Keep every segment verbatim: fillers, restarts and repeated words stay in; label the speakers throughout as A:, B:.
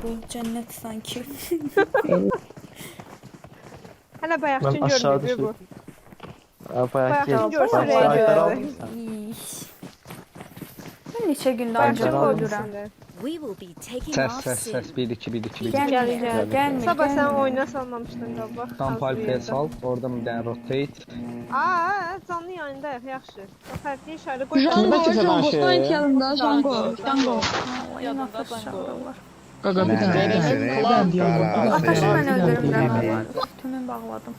A: bu cennet sanki.
B: Hələ bayaqçın
C: Ben aşağı
B: görmüyor bu.
C: Aa, bayağı
B: Bayaqçın
C: ki.
B: görsə
C: Bayağı
B: rəy
C: ayaklar
B: gəlirdi.
C: almışsan.
A: İş. Ben neçə gündə
C: Bayaqçın
A: ancaq
C: almışsın.
A: ölürəm.
D: We will be taking
E: Ses
D: off
E: ses
D: soon.
E: ses bir iki bir iki bir iki.
A: Gəlmir,
B: Gəl,
A: gəlmir,
B: Sabah sən
A: gəlmir.
B: oyuna salmamışdın qaba.
E: Tam palpaya sal. Oradan bir tane rotate.
B: Aa, canlı yayındayıq, yaxşı. Fərqli işarə qoy.
F: Jango,
C: kimse
F: Jango,
C: danışıyor
F: Sonic
C: ya?
F: yanında, Jango, Jango.
A: Yanında çağırırlar.
F: Qaqa bir dənə, bir dənə, bir dənə dialog.
A: Ataşı mən
F: Bir dənə
A: öldürürəm
F: dialog.
A: mən. Tümün bağladım.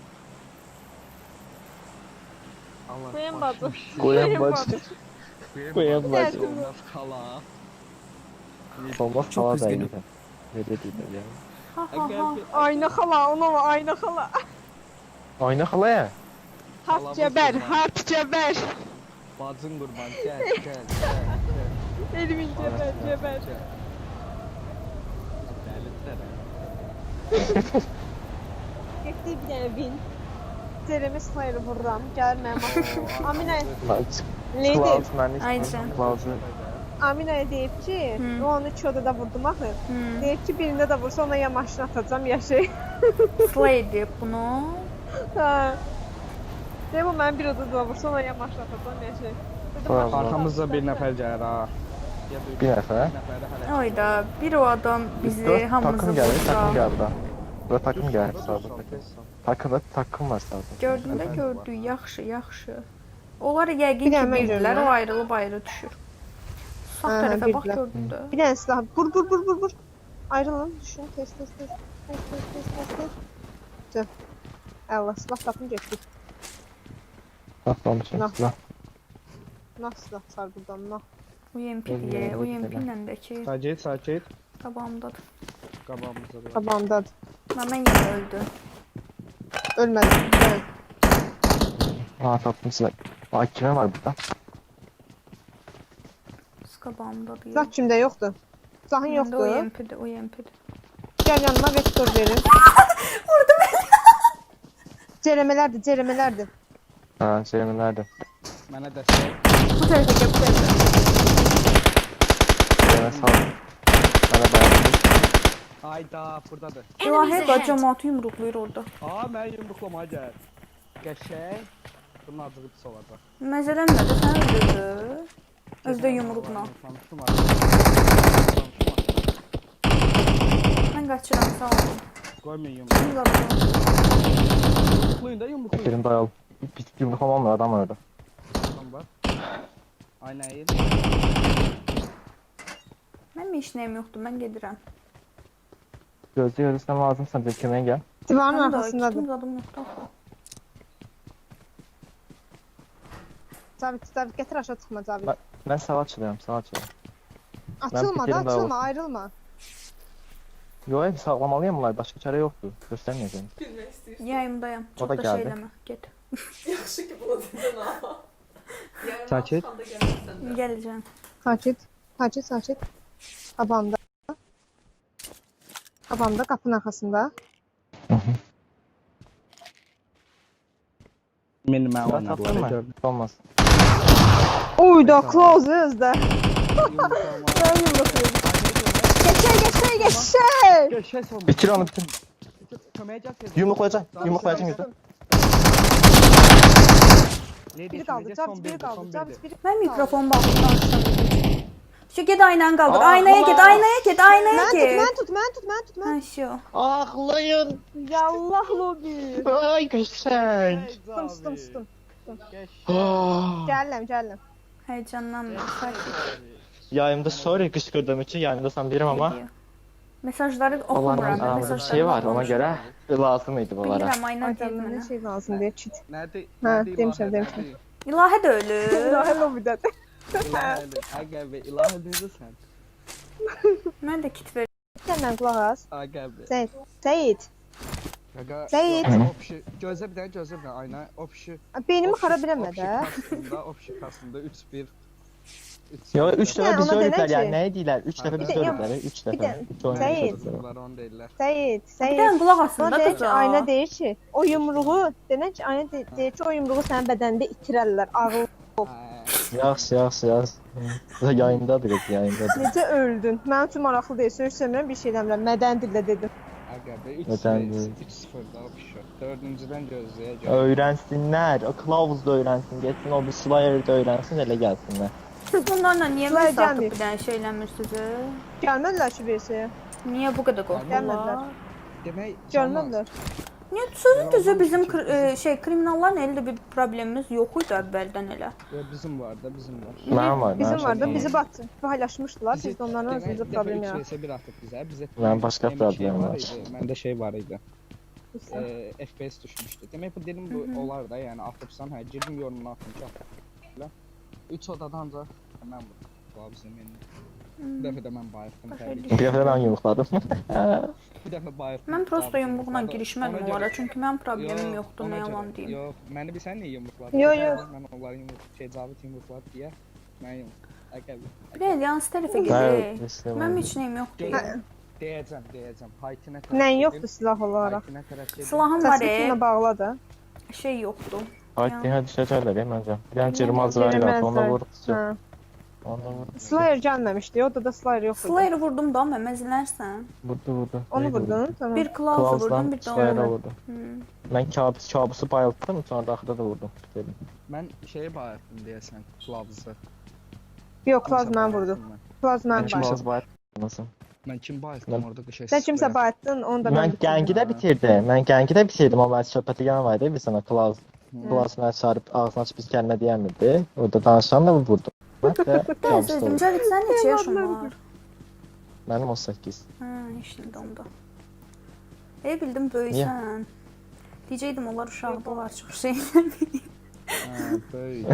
B: Qoyan bacı.
C: Koyan bacı. Koyan bacı.
E: Olmaz kala.
C: Olmaz
G: Çok
C: hava da
G: üzgünüm.
C: iyi. Öyle değil ya.
A: Ha ha ha.
B: Ayna xala, ona var, ayna xala.
C: Oyna halaya.
B: Hart cəbər, hart cəbər.
E: Bacın qurban gel gel gel.
B: Elmin cəbər, cəbər. Getdi bir dənə bin. Ceremi sayırı vururam, gəlir mənim axı. Aminə, Lady,
A: Aycan.
C: Bazı.
B: Aminəyə deyib ki,
A: Hı.
B: o onu iki odada vurdum axı.
A: Hmm.
B: Deyib ki, birində də vursa ona ya maşın atacam, ya şey.
A: Slay deyib bunu.
B: Ha. Deyib o mənim bir odada da vursa ona ya maşın atacam, ya şey. Dedim,
C: Tamam.
B: maşın
E: Arkamızda bir
B: atacam.
E: nefer gelir ha. Ya da
C: Bir nefer.
E: nefer de
A: Oyda bir o adam bizi
C: Dört
A: hamımızı
C: takım geldi. Takım
A: vursa.
C: geldi daha. Burada takım geldi sağda. Takımda takım var sağda.
A: Gördüğünde gördük, yaxşı, yaxşı. Onlar yəqin
B: Bir
A: ki
B: dənə mən
A: bildilər,
B: görürəm.
A: o ayrılıb ayrı düşür. Sağ
B: Hə,
A: tərəfə bax
B: bildilər.
A: gördündə.
B: Bir dənə silah. Vur, vur, vur, vur, vur. Ayrılın, düşün. Tez, tez, tez. Tez, tez, tez, tez, tez. Tüh. Allah, silah tapın getdik.
C: Atlamışım
B: Nah.
C: silah.
B: Nah silah sar buradan, nah.
A: U M P diye, U M P ilə də ki
E: Sakit sakit.
A: qabağımdadır.
E: Kabağımıza bir.
B: Qabağımdadır.
A: Mən yenə öldü.
B: Ölmədim. Dön.
C: Aa tatlım silah. Aa kime var burada?
A: Biz qabağımdadır.
B: Silah kimdə yoxdur? Silahın
A: Məndə
B: yoxdur.
A: U M P-dir, U M P-dir.
B: Gəl yanıma vektor verin.
A: Vurdum elə.
B: Cerəmələrdir, cerəmələrdir.
C: Ha Selim'in nerede?
E: Bana destek.
A: Bu tərəfə gəl, bu tərəfə.
C: Selim'e sağ ol. Bana dayandı.
E: Hayda buradadır.
A: İlahi da cəmaatı yumruqlayır orada.
E: Aa ben yumruklamaya gel. Geçey. Bunun acığı pis olacak.
A: Məzələnmədi, sən öldürdü. Özdə yumruqla.
E: Tanıştım artık.
A: Mən qaçıram, sağ olun.
E: Koymayın yumruğu.
A: Kim qabağım?
E: Yumruklayın da yumruklayın.
C: Selim dayalı. Bir yumruk olmam adam orada.
E: Tamam bak. Aynen iyi.
A: Mənim heç nəyim yoxdur, mən gedirəm.
C: Gözde görürsen lazımsan bir kime gel.
B: Divarın
A: Mənim də
B: arxasındadır.
A: kitim zadım yoxdur axı.
B: Cavid, Cavid gətir aşağı çıxma Cavid.
C: Ben, ben sağa açılıyorum sağa açılıyorum.
B: Açılma da,
C: fikrim daha
B: açılma,
C: var.
B: ayrılma.
C: Yo hep sağlamalıyım bunlar başka çare yoktu. Göstermeyeceğim.
A: Yayımdayım. Çox
C: da
A: da şey
C: gəldi.
A: eləmə, get.
H: Yaxşı ki bunu dedin ha. Yəni
E: Sakit.
H: çıxanda gəlirsən də.
A: Gələcəm.
B: Sakit, sakit, sakit. Qabağımda. Qabağımda, qapının arxasında.
E: Benim ben
C: Sıra tatlım
E: oynadılar
C: mı?
E: gördüm.
C: Olmaz.
B: Uy da close özdə.
E: Yumruklama.
B: Ben yumruklayayım. Geçey, geçey, geçey.
E: Geçey son.
C: Bitir onu bitir.
E: Kömeğe gel.
C: Yumruklayacağım. Yumruklayacağım yüzü.
B: Biri kaldı, Cavid biri kaldı, Cavid biri.
A: Mən mikrofon bağlı danışıram. Şu get aynanı qaldır.
C: Aa,
A: Aynaya get,
C: Allah!
A: aynaya get, aynaya
B: Mən tut,
A: get.
B: mən tut, mən tut, mən tut, mən.
A: Ha şu.
C: Ağlayın.
B: Yallah lobi.
C: Ay güzel.
B: Tuttum, tuttum, tuttum.
C: Ah.
B: Gəlirəm, gəlirəm.
A: Heyecanlanma, sakit.
C: Yayımda sorry kışkırdığım için yayımda sen birim ama
A: Gidiyor. Mesajları
C: Allah'ın
A: oxumuram. mən
C: aramızda bir
A: mesajları
C: şey var ona
A: oxumuram.
C: göre lazımydı bunlara.
A: Bilirəm, ayna deyil
B: Aydan
A: mənə.
B: nə şey lazım deyə çit.
E: Nerede?
B: Ha, demişəm, demişəm.
A: İlahi də ölür.
B: İlahi lobidədir.
E: İlahi. Aga be ilahi dedi sen.
A: Mən də kit ver.
B: Səndən qulaq as.
E: Aga be.
B: Seyid, Seyid.
E: Aga.
B: Seyit.
E: O pişi. Gözle bir tane gözle bir tane aynen. O pişi.
B: Beynimi
E: o pişi-
B: xarab eləmə
E: o pişi
B: də.
E: kastında, o pişi kastında üç bir.
C: Yo üç
B: Yani
C: defa biz
B: ona
C: öldüler
B: denir
C: yani
B: ki-
C: ne diyorlar? Üç defa biz
E: Bir de-
C: öldüler. Üç
B: bir
C: defa.
B: de-
C: Üç oyun
B: Seyit.
C: yaşadılar.
E: Bunlar on değiller.
B: Seyid,
A: Bir
B: Seyid.
A: dənə qulaq
B: Ona
A: asın da
B: deyir ki,
A: qıza.
B: ayna deyir ki, o yumruğu, denən ki, ayna de- deyir ki, o yumruğu sənin bədənində itirərlər, ağıl.
E: Ha,
C: Yaxşı, yaxşı, yaxşı. Yayındadır, yayındadır.
B: Necə öldün? Mənim üçün maraqlı deyil. Söz-sömürəm bir şey demirəm. Mədən dillə dedim.
E: Aga be üç
C: Neden
E: sıfır
C: değil?
E: üç sıfır daha pişiyor. Dördüncüden gözlüğe gel.
C: Öğrensinler, o kılavuz da öğrensin, geçsin o bir Slayer da öğrensin, elə gəlsinlər.
A: Siz bunlarla niye
B: Sıla
A: mesaj
B: gelmeyip.
A: atıp bir tane söyləmirsiniz?
B: Gəlmədilər şu versiyaya.
A: Niye bu kadar
B: Gelmediler.
A: korktular?
E: Demek
B: Gəlmədilər.
A: Niye sözün düzü bizim kri- e, şey kriminalların elde bir problemimiz yok idi əvvəldən elə.
E: Ya bizim var da bizim var.
C: Mənim var,
B: Bizim
C: mənim
B: var da
C: var.
B: bizi batdı. Paylaşmışdılar.
E: Bizi-
B: Biz də onların
E: demek
B: arasında
E: bir defa
B: problem
E: üç
B: yaratdık.
E: vs bir attık bize. Bize
C: Ben başka
E: benim şey
C: problemim var.
E: idi, Bende şey var idi. Ee, F P S düşmüştü. Demek bu dedim bu olar da yani atıpsan ha girdim yorumuna atınca. Üç odadan da hemen bu. Bu bizim yani. Bir dəfə də mən bayıldım təbii ki.
C: Bir dəfə mən yumruqladım.
E: Bir dəfə bayıldım.
A: Mən prosto yumruqla
E: Ona
A: girişmədim
E: görə-
A: onlara çünki mənim problemim
E: Yox,
A: yoxdur,
E: ona
A: nə
E: görə-
A: yalan deyim.
E: Yox, məni bir sən niyə yumruqladın?
B: Yox, yox.
E: Mən onları yumruq, şey Cavid yumruqladı deyə mən yumruq. Əqəbi.
A: Bir də yanlış tərəfə
C: Bəli,
A: gedir.
C: istəyirəm.
A: Mənim heç nəyim yoxdur.
B: Hə.
E: Deyəcəm, deyəcəm. Haytinə tərəf.
B: Nəyin
E: gedim,
B: yoxdur silah olaraq?
E: Haytinə tərəf gedim.
A: Silahım var,
B: Təsbitinlə
A: e,
B: bağla da.
A: şey yoxdur.
C: Haydi, hə düşəcəklər ya məncə. Bir dənə cırmaz var ya, onda vurduqca.
B: Hə.
C: Onda vurduqca.
B: Slayer gəlməmişdi. O da da Slayer yox idi.
A: Slayer'ı vurdum da məməzlərsən.
C: Vurdu, vurdu.
B: Onu vurdun. Tamam.
A: Bir Klaus'u vurdum, bir də
C: Slayer'a
A: onu.
C: vurdu.
A: Hı.
C: Mən kabus, kabusu bayıldım, sonra da axırda da vurdum. Dedim.
E: Mən şeyi bayıldım deyəsən, Klavzı.
B: Yox, Klaz mən vurdu. Klaz mən
C: Mən kim
B: bayıldım.
C: olsa bayılmasın.
E: Mən kim bayıldım orada qışa.
B: Sən kimsə bayıtdın, onu da
C: Mən
B: mən bitirdim.
C: gəngi də bitirdim. Mən gəngi də bitirdim, amma mən söhbəti yan var idi, bir sənə Klaus. Klaus mənə çağırıb ağzını açıb biz kəlmə deyəmirdi. Orada danışan da vurdu. Mən də kabus da vurdum.
A: Cavit sən neçə yaşın var?
C: Mənim on səkkiz.
A: Hə, işində onda. E bildim böyüksən. Deyəcəydim onlar uşaqdılar çox şeylər.
E: Hə, böyük.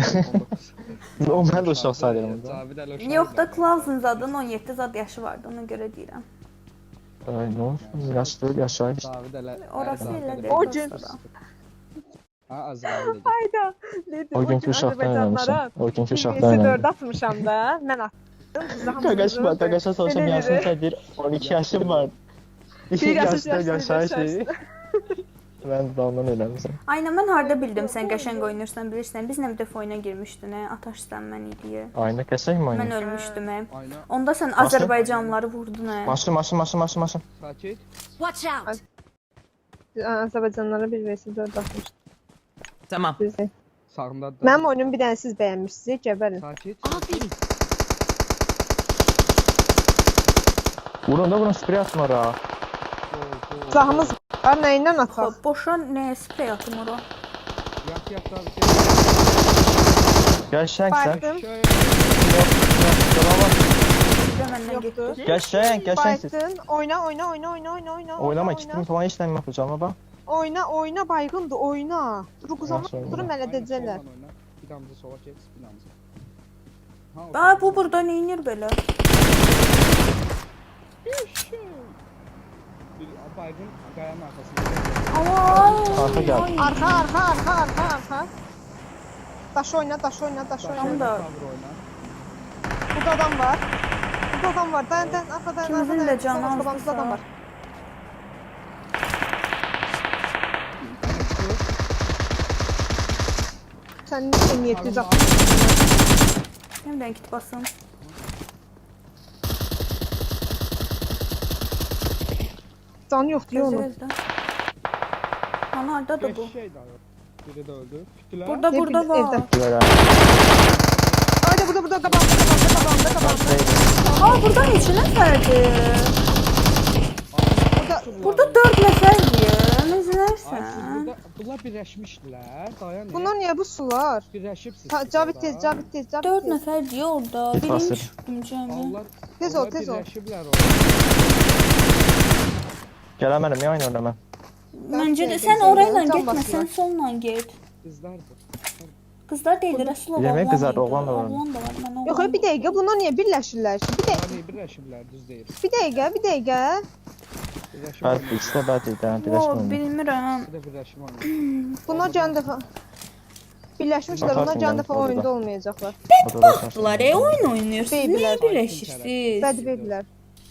C: O mən də uşaq sayılırım da.
E: Cavid əl uşaq.
A: Yox da Klaus'un zadın on yeddi zad yaşı vardı, ona görə deyirəm.
C: Ay, nə olsun, yaşlı, yaşayır işte.
E: Cavid ələ.
A: Orası elə deyil.
B: O gün-
A: dostlar.
E: Ha, Azrail.
B: Hayda. Nedir?
C: O günkü uşaqdan eləmişəm. O günkü uşaqdan
B: Birisi dörd
C: eləmişəm.
B: atmışam da. Mən attım. Siz hamınız
C: Qaqaşma,
B: vurdunuz.
C: qaqaşa sorsam
B: Elə
C: yaşın
B: dedi.
C: sədir, on iki yaşım var.
B: Bir yaş
C: yaşda yaşayır
B: yaşlı.
C: şeyi. Mən də ondan eləmişəm.
A: Aynen mən harda bildim sən qəşəng oynayırsan bilirsən. Biz nə bir dəfə oyuna girmişdin, hə? Ataşsan mən idi.
C: Ayna qəşəng mi
A: Mən
C: oynayır?
A: ölmüşdüm, hə?
E: Ayna.
A: Onda sən
C: Maşın?
A: Azərbaycanlıları vurdun, hə?
C: Maşın, maşın, maşın, maşın, maşın.
H: Watch
E: Sakit.
H: out!
B: Azərbaycanlara bir vs dörd atmışdım.
F: Tamam.
B: Bizi.
E: Sağında da.
B: Mənim oyunumu bir dənə siz bəyənmişsiniz. Gəbərin.
E: Sakit.
H: Aferin.
C: Vurun da vurun, sprey atın ora.
E: Gol, gol.
B: Silahımız var. Nəyindən ataq?
A: Xop, boşa nə sprey atım ora?
E: Yak yak Cavid.
C: Qəşəngsən.
B: Bayıtdım.
E: Şöyle.
A: Bir də məndən
B: Yoxdur.
A: getdi.
C: Qəşəng, qəşəngsiz.
B: Bayıtdın. Oyna, oyna, oyna, oyna, oyna, oyna.
C: Oynama,
B: oyna.
C: kitim falan işlemi yapacağım bak.
B: Oyna, oyna, baygındır, oyna. Dur quzama,
C: Yaxşı, oyna.
B: durun hələ
E: Aynen,
B: dedəcəklər.
E: soldan oyna. Bir damızı sola geç, bir damızı. Ha, o
A: Aa, bu burada neynir belə?
E: Bir baygın qayanın arkasında.
A: Aa,
C: Arka gel.
B: Arxa, arxa, arxa, arxa, arxa. Daş oyna, daş oyna, daş oyna.
A: Tamam da-
E: Cover oyna.
B: Burada adam var. Burada adam var. Dayan, dayan, arxa, dayan,
A: İkimizin
B: arxa,
A: də
B: dayan.
A: canı
B: Sol
A: azdı
B: qabağımızda adam
A: sağ.
B: var. Sən M yeddi yüz altmış.
A: Nədən git basın?
B: Canı yoxdur, yox onun.
A: Gözlə. Ana hardadır bu?
E: Beş şey daha yok. Biri de öldü. Kütüler.
A: Burada
B: Ne
A: burada
B: bileyim,
A: var.
B: evdə.
C: Böyle.
B: Ayda burada, burada, qabağımda, qabağımda, qabağımda, qabağımda.
A: Aa, burada neçə nəfərdir?
B: Burada,
A: Burada dörd nəfərdir.
E: Ay, siz
A: Nəzərsən?
E: burada, bunlar birləşmişdilər. Dayan.
B: bunlar niyə bu sular?
E: birləşibsiz.
B: Ta, Cavid tez, Cavid tez, Cavid
A: Dörd
B: tez.
A: nəfərdir orada. Birinci
C: Basır.
A: çıxdım cəmi.
E: Allah.
B: Tez ol, tez ol.
E: Birləşiblər orada.
C: Gələmərəm ya, oyun oynamam.
A: Məncə də
B: Can
A: sən orayla
B: basırlar.
A: getmə, sən solla get.
E: Qızlardır.
A: Qızlar deyil, Rəsulov
C: Yemək
A: oğlan
C: qızlar,
A: idi.
C: oğlan da var.
A: Oğlan da var, mən oğlan.
B: Yox, bir dəqiqə, bunlar niyə birləşirlər ki? Bir dəqiqə,
E: Bunlar birləşiblər, düz deyir.
B: bir dəqiqə, bir dəqiqə.
E: Birləşib
C: Bəli,
E: oynayır.
C: ikisi də bəli idi,
A: Yo,
C: birləşmə.
A: bilmirəm.
E: İkisi də birləşib oynayır.
B: Bunlar can dəfə birləşmişlər, onlar can dəfə oyunda olmayacaqlar.
A: Batdılar, e, oyun oynayırsınız.
B: Babylər.
A: Niyə birləşirsiniz?
B: Bədbeydiler.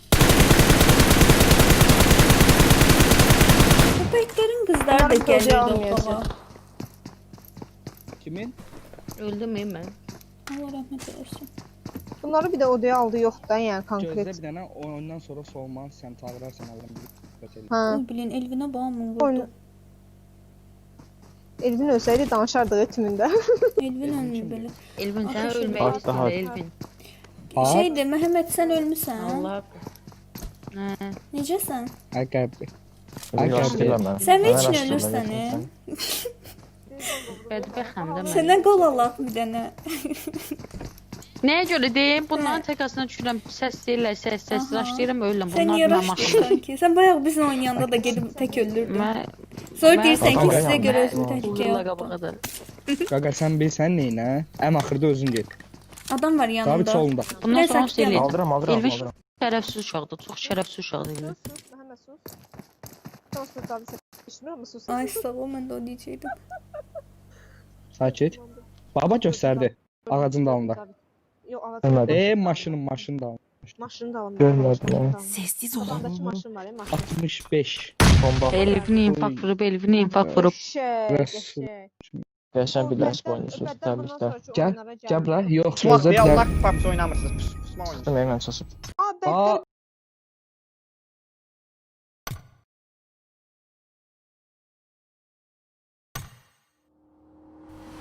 A: Köpəklərin qızları da
B: Bunların qoca
A: gəlirdi
B: almayacaq.
A: otağa.
E: Kimin?
H: Öldüm mü ben?
A: Allah rəhmət eləsin.
B: Bunları bir də odaya aldı yoxdur yəni
E: Gözlə
B: konkret.
E: bir dənə ondan sonra solman sən çağırarsan alıram bir söhbət eləyim.
B: Ha.
A: Oy bilin Elvinə bağımın
B: Oyna.
A: vurdu.
B: Elvin ölsəydi danışardığı tümündə.
A: Elvin ölmür belə.
D: Elvin sen
A: Arkadaşlar,
D: ölmek
C: bak
D: istedin
C: daha-
D: Elvin.
E: Aa.
A: Şeydir, Məhəmməd sən ölmüsən.
D: Allah. Ne?
A: Necəsən?
E: Ay qəlbi.
C: Ay,
E: Ay,
C: yaşlı
E: qəlbi.
C: mən.
A: Sən
C: Mən
A: heç nə
C: yaşlı
A: ölürsən,
C: mən,
A: e?
D: Bədbəxəm də mən.
A: Sənə qol alaq bir dənə.
D: Nəyə görə deyim? Bunların təkasına düşürəm. Səs deyirlər, səs, səs.
A: Aha.
D: Raşlayıram, ölürəm.
A: Sən
D: Bunlar
A: niyə
D: mənə
A: raşdın sanki? Sən bayaq bizlə oynayanda da gedib tək öldürdün.
D: Mən
A: Sonra
D: mən-
A: deyirsən ki,
C: Adam
A: sizə
C: ayağım.
A: görə özünü təhlükəyə
D: Uğurla
A: atdın.
D: qabağıdır.
E: Qaqa sən bilsən neynə? Ən axırda özün get.
A: Adam var
E: Zabit
A: yanında.
E: solunda.
D: Bundan
A: Mən
D: sonra
A: sakit
D: söyləyəcəm.
C: Aldıram, aldıram,
D: Elvin
C: aldıram.
D: şərəfsiz uşaqdır. Çox şərəfsiz uşaqdır Elvin.
B: Sus sus Məhəmməd sus. Sus sus abi sən eşitmir amma sus.
A: Ay sağ ol, mən də o deyəcəkdim.
E: Sakit. Baba göstərdi. Ağacın dalında.
B: Yox ağacın
C: Görmədim.
B: dalında.
E: E maşının maşının dalında.
B: Maşının dalında.
C: Görmədim,
B: Maşının
C: evet.
B: dalında.
A: Sessiz olun.
B: Adamdakı maşın var ya maşın.
E: altmış beş.
C: Bomba.
D: Elvin infak vurub, Elvin infak vurub.
B: Qəşəng,
E: Resul.
B: qəşəng.
C: Qəşəng
B: O
C: birləşib
B: bəddən-
C: oynayırsınız.
B: bəddən bundan
C: Təbriklər.
B: sonraki
E: Gəl,
B: oyunlara
E: Gəl bura.
B: gəlmir.
E: Yox,
G: Pusmaq
E: sözə
G: deyə
E: bir
G: Allah PUBG oynamırsınız. Pus- Pusmaq oynayın.
C: Çıxdım, mən çaşıb.
B: Aa, bəddən
E: Aa,